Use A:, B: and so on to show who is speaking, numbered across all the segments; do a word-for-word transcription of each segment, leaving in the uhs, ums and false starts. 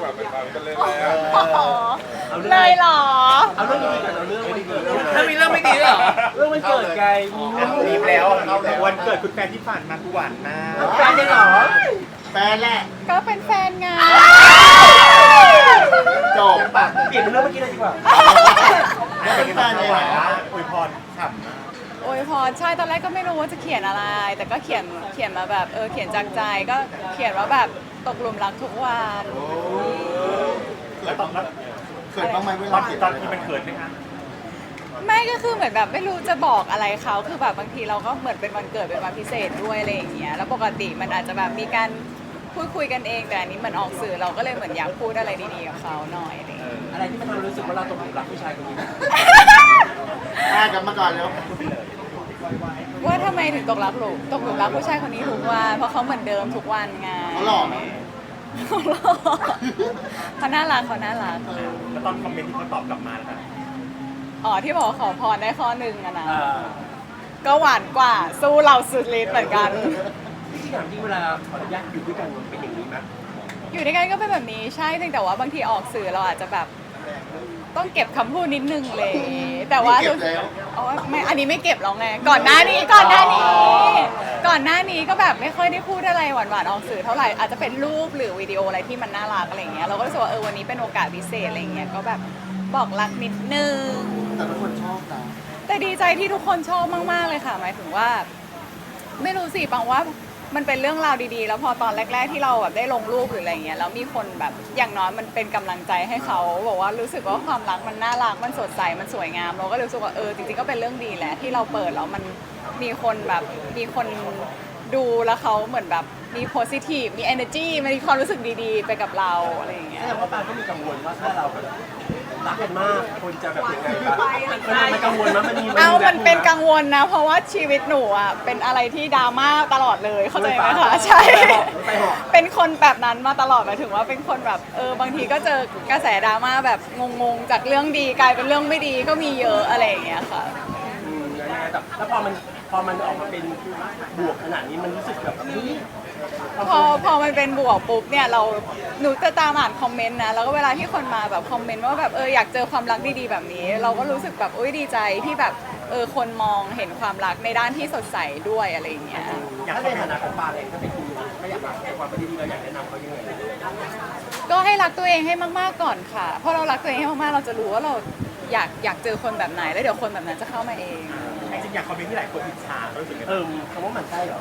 A: ว่าไปฟังกันเลยแล้ว
B: เลยเหรอ
C: เอาเรื่องดีๆก่อนเอาเรื่องไม่ดี
D: ถ้ามีเรื่องไม่ดีเหรอ
C: เรื่องมันเกิดไง
A: รีบแล้ววันเกิดคุณแฟนที่ผ่านมาทุกวันมาก
C: แฟนได้เหรอ
A: แฟนแหละ
B: ก็เป็นแฟนไง
A: จบ
C: เปลี่ยนเป็นเรื่องเมื่อกี้เลยดีกว่า
A: เป็นแฟนเลยเหรออวยพรฉ่ำมาก
B: โอ้ยพอใช่ตอนแรกก็ไม่รู้ว่าจะเขียนอะไร แต่ก็เขียนเขียนมาแบบเออเขียนจากใจก็เขียนว่าแบบตกหลุมรักทุกวัน
A: แล้วตอนนั้นเขินบ้างไหมเวลาเขียนตอนที่มันเขินไหมคะ
B: ไม่ก็คือเหมือนแบบไม่รู้จะบอกอะไรเขาคือแบบบางทีเราก็เหมือนเป็นวันเกิดเป็นวันพิเศษด้วยอะไรอย่างเงี้ยแล้วปกติมันอาจจะแบบมีการพูดคุยกันเองแต่อันนี้มันออกสื่อเราก็เลยเหมือนอยากพูดอะไรดีๆกับเขาหน่อยอะไรอย่างเงี้ย
C: อะไรที่มันทำให้รู้สึกว่าเราตกหลุมรักผู้ชายคนนี้
A: อ่ากลับมาก่อนแล้ว
B: ว่าทำไมถึงตกรักหลุมตกหลุมรักผู้ชายคนนี้ทุกวันเพราะเขาเหมือนเดิมทุกวันไง
A: เขาหล่อไหม
B: เขาหล่อเขาน่ารักเขาน่ารัก
A: แล้วตอนคอมเมนต์ที่เขาตอบกลับมาแล้ว
B: อ๋อที่บอกว่าขอพรได้ข้อหนึ่งอะนะ
C: อ่า
B: ก็หวานกว่าสู้เราสุดฤทธิ์เหมือนกัน
C: ที่ถามจริงเวลาขออนุญาตอยู่ด้วยกันมันเป็นอย่างนี้ไหม
B: อยู่ด้วยกันก็เป็นแบบนี้ใช่เพียงแต่ว่าบางทีออกสื่อเราอาจจะแบบต้องเก็บคำพูดนิดนึงเลย แต่ว่า
A: เก็บแล้ว
B: อ๋อไม่อันนี้ไม่เก็บแล้วไงก่อนหน้านี้ก่อนหน้านี้ ก่อนหน้านี้ก็แบบไม่ค่อยได้พูดอะไรหวานๆออกสื่อเท่าไหร่อาจจะเป็นรูปหรือวิดีโออะไรที่มันน่ารักอะไรอย่างเงี้ยเราก็รู้สึกว่าเออวันนี้เป็นโอกาสพิเศษอะไรอย่างเงี้ยก็แบบบอกรักนิดนึง
A: แต่ทุกคนชอบนะ
B: แต่ดีใจที่ทุกคนชอบมากๆเลยค่ะหมายถึงว่า ไม่รู้สิปังว่ามันเป็นเรื่องราวดีๆ แล้วพอตอนแรก ๆที่เราแบบได้ลงรูปหรืออะไรเงี้ยแล้วมีคนแบบอย่างน้อยมันเป็นกำลังใจให้เขาบอกว่ารู้สึกว่าความรักมันน่ารักมันสดใสมันสวยงามเราก็รู้สึกว่าเออจริงๆก็เป็นเรื่องดีแหละที่เราเปิดแล้วมันมีคนแบบมีคนดูแล้วเขาเหมือนแบบมี positive มี energy มีความรู้สึกดีๆ ไปกับเราอะไรอย่างเงี้ย
C: แสดงว่าปาก็มีกังวลว่าถ้าเราแบบรักกันมากคนจะแบบยังไงบ้างมันมันกังวลมั้ยมันมี
B: เอามันเป็นกังวลนะ เพราะว่าชีวิตหนูอ่ะเป็นอะไรที่ดราม่าตลอดเลยเข้าใจไหมคะใช่ เป็นคนแบบนั้นมาตลอดหมายถึงว่าเป็นคนแบบเออบางทีก็เจอกระแสดราม่าแบบงงๆจากเรื่องดีกลายเป็นเรื่องไม่ดีก็มีเยอะอะไรอย่างเงี้ยค่ะ
C: อืมแล้วยังไงแต่แล้วพอมันพอมันออกมาเป็นบวกขนาดนี้มันรู้สึกแบบเฮ้ย
B: พอพอมันเป็นบวกปุ๊บเนี่ยเราหนูจะตามอ่านคอมเมนต์นะแล้วก็เวลาที่คนมาแบบคอมเมนต์ว่าแบบเอออยากเจอความรักดีๆแบบนี้ เราก็รู้สึกแบบอุ้ยดีใจที่แบบเออคนมองเห็นความรักในด้านที่สดใสด้วยอะไรอย่างเงี้ย
C: ถ้าในฐานะของปาเองถ้าเป็นคุณก็อยากรักในความเป็นดีๆเราอยากแนะนำเขายังไง
B: ก็ให้รักตัวเองให้มากๆก่อนค่ะเพราะเรารักตัวเองให้มากๆเราจะรู้ว่าเราอยากอยากเจอคนแบบไหนแล้วเดี๋ยวคนแบบนั้นจะเข้ามาเอง
A: จริงๆอยากคอมเมนต์ที่หลายคนอิจฉารู้สึกไง
C: เออคำว่าหมันไส้เหรอ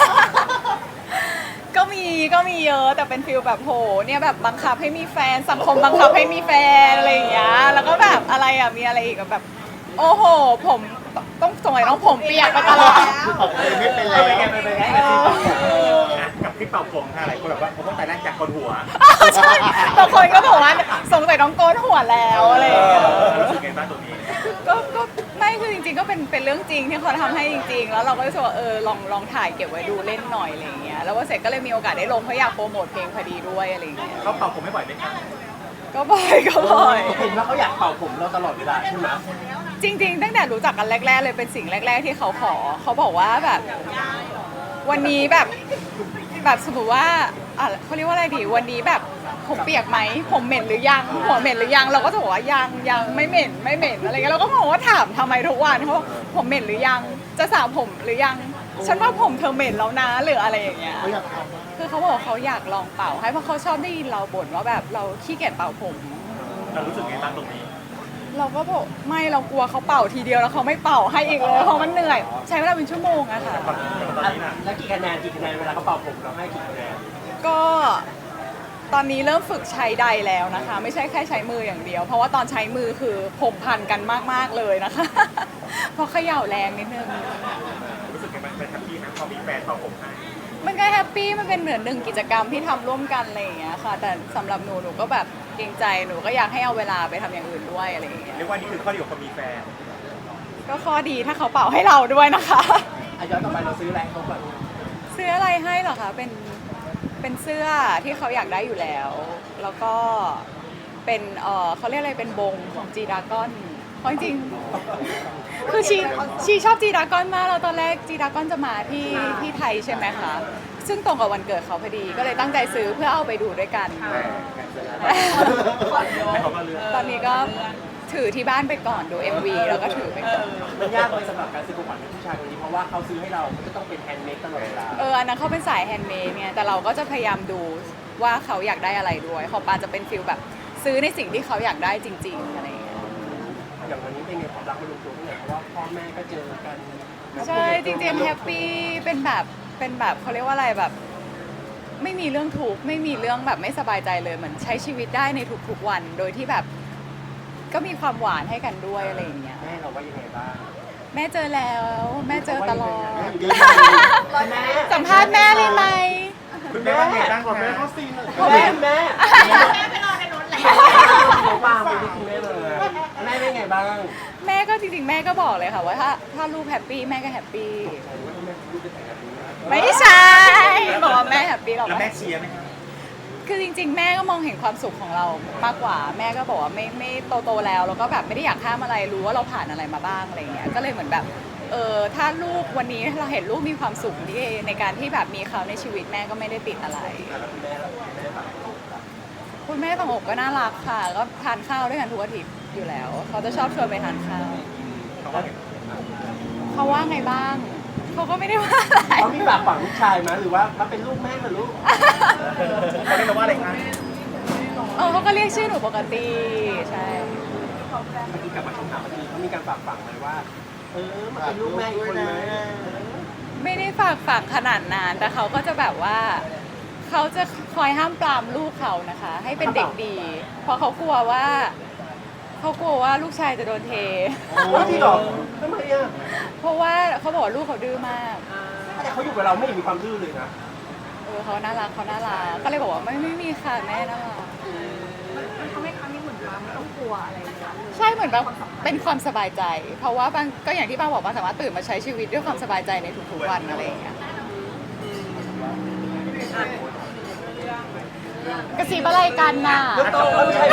B: ก็มีก็มีเยอะแต่เป็นฟิลแบบโหเนี่ยแบบบังคับให้มีแฟนสังคมบังคับให้มีแฟนอะไรอย่างเงี้ยแล้วก็แบบอะไรอ่ะมีอะไรอีกแบบ โอ้โหผมต้องสมัยต้องผมเปียกมาตลอด
A: ตอบเลยไม่เป็นแล้ว
C: ไปไงไปไง
B: เออ
A: กับที่เป่าผมค่ะหลายคนแบบว่าผมต้องแต่แรกจากคนหัว
B: ใช่บางคนก็บอกว่าสงสัยต้องโกนหัวแล้วอะไรอย่างเงี้ย
A: รู้สึกไงบ้างตรงนี้
B: ก็ก็ไม่คือจริงๆก็เป็นเป็นเรื่องจริงที่เขาทำให้จริง ๆ แล้วเราก็รู้สึกว่าเออลองลองถ่ายเก็บไว้ดูเล่นหน่อยอะไรอย่างเงี้ยแล้วว่าเสร็จก็เลยมีโอกาสได้ลงเพราะอยากโปรโมทเพลงพอดีด้วยอะไรอย่างเงี้ย
A: เขาเป่าผมไม่บ่อยไหมคะ
B: ก็บ่อยก็บ่อย
C: เห็นว่าเขาอยากเป่าผมเราตลอดเวลาใช่ไหม
B: จริงๆตั้งแต่รู้จักกันแรกๆเลยเป็นสิ่งแรก ๆ ที่เขาขอเขาบอกว่าแบบวันนี้แบบแบบสมมติว่าอ่ะเขาเรียกว่าอะไรดีวันนี้แบบผมเปียกไหมผมเหม็นหรือยังหัวเหม็นหรือยังเราก็จะบอกว่ายังยังไม่เหม็นไม่เหม็นอะไรเงี้ยเราก็บอกว่าถามทำไมทุกวันเขาบอกผมเหม็นหรือยังจะสระผมหรือยังฉันว่าผมเธอเหม็นแล้วนะหรืออะไรอย่างเงี้ย
A: เขาอยากท
B: คือเขาบอกว่าเขาอยากลองเป่าให้เพราะเขาชอบได้ยินเราบ่นว่าแบบเราขี้เกียจเป่าผม
A: ำเรารู้สึกไงบ้างตรงนี้
B: เราก็บอกไม่เรากลัวเขาเป่าทีเดียวแล้วเขาไม่เป่าให้อีกเลยเพราะมันเหนื่อย ใช้เวลาเป็นชั่วโมงอะค่ะ
A: ตอนตอนนี้น่ะ
C: แล้วกี่คะแนนกี่คะแนนเวลาเขาเป่าผมเราให้กี่คะแนน
B: ก็ตอนนี้เริ่มฝึกใช้ใดแล้วนะคะ ไม่ใช่แค่ใช้มืออย่างเดียว เพราะว่าตอนใช้มือคือผมพันกันมากๆเลยนะคะ เพราะเขย่าแรงนิดนึง
A: รู้สึกไงบ้างเป็นแฮปปี้นะพอมีแฟนเป่าผมให้
B: มันก็แฮปปี้มันเป็นเหมือนหนึ่งกิจกรรมที่ทำร่วมกันอะไรอย่างเงี้ยค่ะ แต่สำหรับหนูหนูก็แบบเกรงใจหนูก็อยากให้เอาเวลาไปทำอย่างอื่นด้วยอะไรอย่างเงี้ย
A: เรียกว่านี่คือข้อดีของคนมีแฟน
B: ก็ข้อดีถ้าเขาเป่าให้เราด้วยนะคะ
C: อ่ะย้อนกลับไปเราซื้ออะไรให้เขาก่อน
B: ซื้ออะไรให้เหรอคะ เป็น เป็นเสื้อที่เขาอยากได้อยู่แล้ว แล้วก็เป็น เออเขาเรียกอะไร เป็นบงของจีดากอนเพราะจริงๆคือชีชีชอบจีดากอนมากแล้วตอนแรกจีดากอนจะมาที่ที่ไทยใช่ไหมคะซึ่งตรงกับวันเกิดเขาพอดีก็เลยตั้งใจซื้อเพื่อเอาไปดูด้วยกัน
C: ให้เขามาเลือก
B: ตอนนี้ก็ถือที่บ้านไปก่อนดู เอ็ม วี แล้วก็ถือไปก่อน
C: มันยากเลยสำหรับการซื้อของขวัญให้ผู้ชายคนนี้เพราะว่าเขาซื้อให้เรามันก็ต้องเป็นแฮนด์เมดตลอดเวลา
B: เอออันนั้นเขาเป็นสายแฮนด์เมดเนี่ยแต่เราก็จะพยายามดูว่าเขาอยากได้อะไรด้วยของปาจะเป็นฟิลแบบซื้อในสิ่งที่เขาอยากได้จริงๆอะไรอย่างเงี้ย
C: อย่างวันนี้เป็นไงความรักมันลงตัวที่ไหนเพราะว่าพ่อแม่ก็เจอกัน
B: ใช่จริงๆแฮปปี้เป็นแบบเป็นแบบเขาเรียกว่าอะไรแบบ ไม่มีเรื่องทุกข์ไม่มีเรื่องแบบไม่สบายใจเลยเหมือนใช้ชีวิตได้ในทุกๆวัน โดยที่แบบก็มีความหวานให้กันด้วยอะไรอย่างเงี้ย
C: แม่เราว่ายังไงบ้าง
B: แม่เจอแล้วแม่เจอตลอด
C: แม่
B: สัมภาษณ์แม่เลยไหม
A: คุณแม่ว่าไงบ้างขอแม่เขาซีนหน่อย
C: แม่แม่
D: แม่ไปรอในรถแล้ว
C: เขาปางไปที่คุณแม่เลยแม่เป็นไงบ้าง
B: แม่ก็จริงๆแม่ก็บอกเลยค่ะว่าถ้าถ้าลูกแฮปปี้แม่ก็แฮปปี้
C: ว่าแม่ลูกจะแต่งแบบนี้นะ
B: ไม่ใช่บอกว่าแม่แฮปปี้หรอก
A: แล้วแม่เชียร์ไหมครับ
B: คือจริง ๆ แม่ก็มองเห็นความสุขของเรามากกว่า แม่ก็บอกว่าไม่ไม่โตโตๆแล้วแล้วก็แบบไม่ได้อยากห้ามอะไรรู้ว่าเราผ่านอะไรมาบ้างอะไรอย่างเงี้ยก็เลยเหมือนแบบเออถ้าลูกวันนี้เราเห็นลูกมีความสุขที่ในการที่แบบมีเขาในชีวิตแม่ก็ไม่ได้ติดอะไร
C: แล้วคุณแม่ล่ะคุณแม่แบบ
B: คุณแม่ตองอกก็น่ารักค่ะ ก็ทานข้าวด้วยกันทุกอาทิตย์อยู่แล้ว เขาจะชอบชวนไปทานข้าว
A: เขาว่าไง
B: เขาว่าไงบ้าง เขาก็ไม่ได้ว่าอะไร
C: เขามีฝากฝังลูกชายไหมหรือว่าเขาเป็นลูกแม่เหรือลูก
A: เขาเรียกว่าอะไรคะ
B: เออเขาก็เรียกชื่อหนูปกติ ใช่
C: เมื่อกี้กลับมาคำถามเมื่อกี้เขามีการฝากฝังไหมว่า เออมันเป็นลูกแม่อีกคนไหม
B: ไม่ได้ฝากฝังขนาดนั้นแต่เขาก็จะแบบว่า เขาจะคอยห้ามปรามลูกเขานะคะ ให้เป็นเด็กดี เพราะเขากลัวว่า เขากลัวว่าลูกชายจะโดนเท
C: โอ้จริงเหรอทำไมอ่ะ
B: เพราะว่าเขาบอกว่าลูกเขาดื้อมาก
C: แต่เขาอยู่กับเราไม่เห็นมีความดื้อเลยนะ
B: เออเขาน่ารักเขาน่ารัก ก็เลยบอกว่าไม่ไม่มีค่ะแม่น่ารัก
D: มันทำให้ครั้งนี้เหมือนว่าไม่ต้องกลัวอะไรเลยนะ
B: ใช่เหมือนแบบเป็นความสบายใจ เพราะว่าบางก็อย่างที่ป้าบอกว่าสามารถตื่นมาใช้ชีวิตด้วยความสบายใจในทุกๆวันอะไรอย่างเงี้ยกระสีอะไรกันน่ะ
C: โตไม่ใช่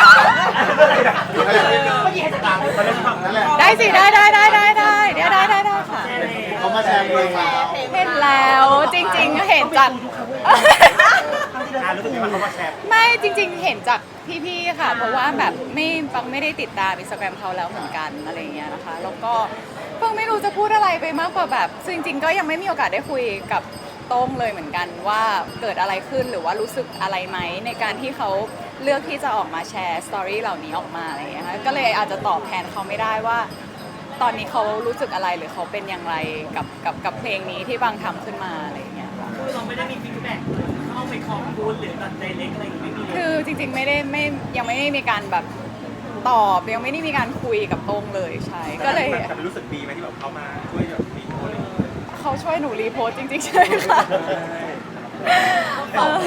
A: นั่นแหละ
B: ได้สิได้ได้ได้ได้ได้เดี๋ยวได้ได้ได้ค่ะ
A: เขามาแชร์เพลงแล้ว
B: เห็นแล้วจริงๆเห็นจาก
A: อ่ารู้สึกยังไงว่าเขามาแชร์
B: ไม่จริงๆ เห็นจากพี่ๆ ค่ะ เพราะว่าแบบไม่ฟังไม่ได้ติดตามอินสตาแกรมเขาแล้วเหมือนกันอะไรอย่างเงี้ยนะคะ แล้วก็ฟังไม่รู้จะพูดอะไรไปมากกว่าแบบซึ่งจริงๆ ก็ยังไม่มีโอกาสได้คุยกับโต้งเลยเหมือนกันว่าเกิดอะไรขึ้นหรือว่ารู้สึกอะไรไหมในการที่เขาเลือกที่จะออกมาแชร์สตอรี่เหล่านี้ออกมาอะไรอย่างเงี้ยค่ะก็เลยอาจจะตอบแทนเขาไม่ได้ว่า ตอนนี้เขารู้สึกอะไรหรือเขาเป็นอย่างไรกับกับกับเพลงนี้ที่บางทำขึ้นมาอะไรอย่างเงี้ยค่ะ
E: คือเราไม่ได้มีฟีดแบ็กเลยเข้าไปขอบคุณหรือตัดใจเล็กอะไรอย่างเงี้ยไม่มีเลย
B: คือจริงๆไม่ได้ไม่ยังไม่ได้มีการแบบตอบยังไม่ได้มีการคุยกับโต้งเลยใช่ก็เลย
A: แต่มันรู้สึกดีไหมที่แบบเขามาช่วยแบบมีโพสต์อะไรอย่างเงี้ย
B: เขาช่วยหนูรีโพสต์จริงๆใช่ค่ะเออ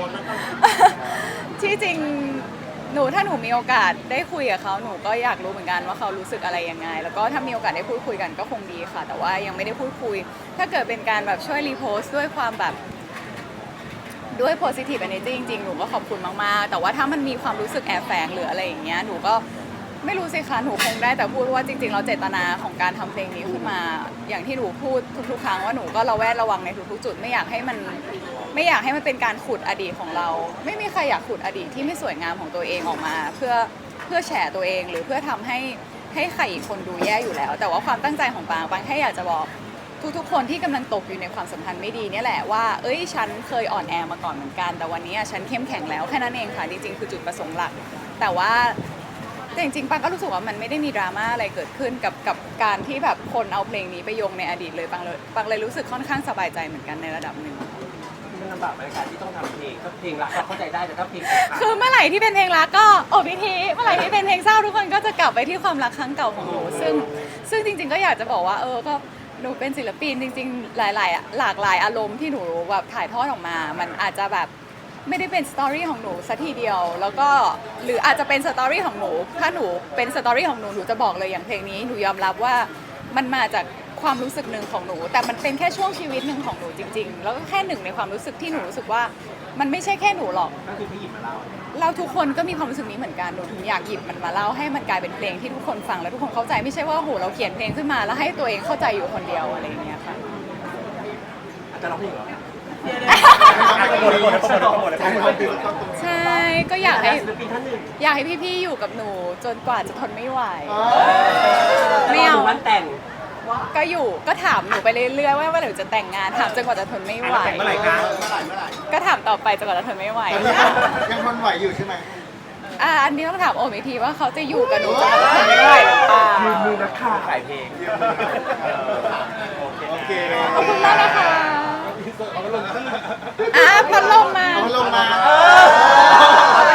B: ที่จริงหนูถ้าหนูมีโอกาสได้คุยกับเขาหนูก็อยากรู้เหมือนกันว่าเขารู้สึกอะไรยังไง แล้วก็ถ้ามีโอกาสได้พูดคุยกันก็คงดีค่ะ แต่ว่ายังไม่ได้พูดคุย ถ้าเกิดเป็นการแบบช่วยรีโพสต์ด้วยความแบบด้วย positive energy จริงๆ หนูก็ขอบคุณมากๆ แต่ว่าถ้ามันมีความรู้สึกแอบแฝงหรืออะไรอย่างเงี้ยหนูก็ไม่รู้สิคะหนูคงได้แต่พูดว่าจริงๆเราเจตนาของการทำเพลงนี้ขึ้นมา อย่างที่หนูพูดทุกๆ ครั้งว่าหนูก็ระแวดระวังในทุกๆ จุดไม่อยากให้มันไม่อยากให้มันเป็นการขุดอดีตของเรา ไม่มีใครอยากขุดอดีตที่ไม่สวยงามของตัวเองออกมา เพื่อเพื่อแฉตัวเองหรือเพื่อทำให้ให้ใครอีกคนดูแย่อยู่แล้ว แต่ว่าความตั้งใจของปางปางแค่อยากจะบอก ทุกๆ คนที่กำลังตกอยู่ในความสัมพันธ์ไม่ดีเนี่ยแหละว่า เอ้ย ฉันเคยอ่อนแอมาก่อนเหมือนกัน แต่วันนี้ฉันเข้มแข็งแล้วแค่นั้นเองค่ะ จริงๆ คือจุดประสงค์หลัก แต่ว่าแต่จริงๆ ปังก็รู้สึกว่ามันไม่ได้มีดราม่าอะไรเกิดขึ้นกับกับการที่แบบคนเอาเพลงนี้ไปโยงในอดีตเลย ปังเลยปังเลยรู้สึกค่อนข้างสบายใจเหมือนกันในระดับหนึ่ง
C: มันลำบากบรรยากาศที่ต้องทำเพลงก็เพลงรักเราเข้าใจได้แต่ถ้าเพลง
B: คือเมื่อไหร่ที่เป็นเพลงรักก็โอ้พิธีเมื่อไหร่ที่เป็นเพลงเศร้าทุกคนก็จะกลับไปที่ความรักครั้งเก่าของหนูซึ่งซึ่งจริง ๆ ก็อยากจะบอกว่าเออก็หนูเป็นศิลปินจริงๆ หลายๆหลากหลายอารมณ์ที่หนูแบบถ่ายทอดออกมา มันอาจจะแบบไม่ได้เป็นสตอรี่ของหนูสัทีเดียว แล้วก็หรืออาจจะเป็นสตอรี่ของหนูถ้าหนูเป็นสตอรี่ของหนูหนูจะบอกเลยอย่างเพลงนี้หนูยอมรับว่ามันมาจากความรู้สึกหนึ่งของหนู แต่มันเป็นแค่ช่วงชีวิตหนึ่งของหนูจริง ๆ แล้วก็แค่หนึ่งในความรู้สึกที่หนูรู้สึกว่ามันไม่ใช่แค่หนูหรอก
C: ก็คือพี่หยิบมาเล่า
B: เราทุกคนก็มีความรู้สึกนี้เหมือนกัน หนูถึงอยากหยิบมันมาเล่าให้มันกลายเป็นเพลงที่ทุกคนฟังแล้วทุกคนเข้าใจไม่ใช่ว่าโหเราเขียนเพลงขึ้นมาแล้วให้ตัวเองเข้าใจอยู่คนเดียวอะไรอย่างเงี้ยค่ะ
C: อาจจะร้องเพลงเหรอโปรโมทโปรโมทโปรโมท
A: ใช่ครับคือต้อง
B: ใช่ก็อยากให้
C: ศิลปินท่านหนึ่ง
B: อยากให้พี่ๆอยู่กับหนูจนกว่าจะทนไม่ไหว
C: ไม่เอาวันแต่ง
B: ก็อยู่ก็ถามหนูไปเรื่อยๆว่าเมื่อไหร่จะแต่งงานถามจนกว่าจะทนไม่ไหว
C: แต่งเมื่อไหร่คะ
A: เมื่อไหร่เมื่อไหร่
B: ก็ถามต่อไปจนกว่าจะทนไม่ไหว
A: ตอนนี้ยังทนไหวอยู่ใช่ไหม
B: อ่ะอันนี้ต้องถามโอมอีกทีว่าเขาจะอยู่กับหนูจนกว่าจะทนไม่ไหวหรือเปล่า
C: ยืมมือนักข่าวขายเพลง
A: โอเค
B: ขอบคุณมากนะคะอ่ะพัดลมมา
A: เอาลงมา
C: เอาไป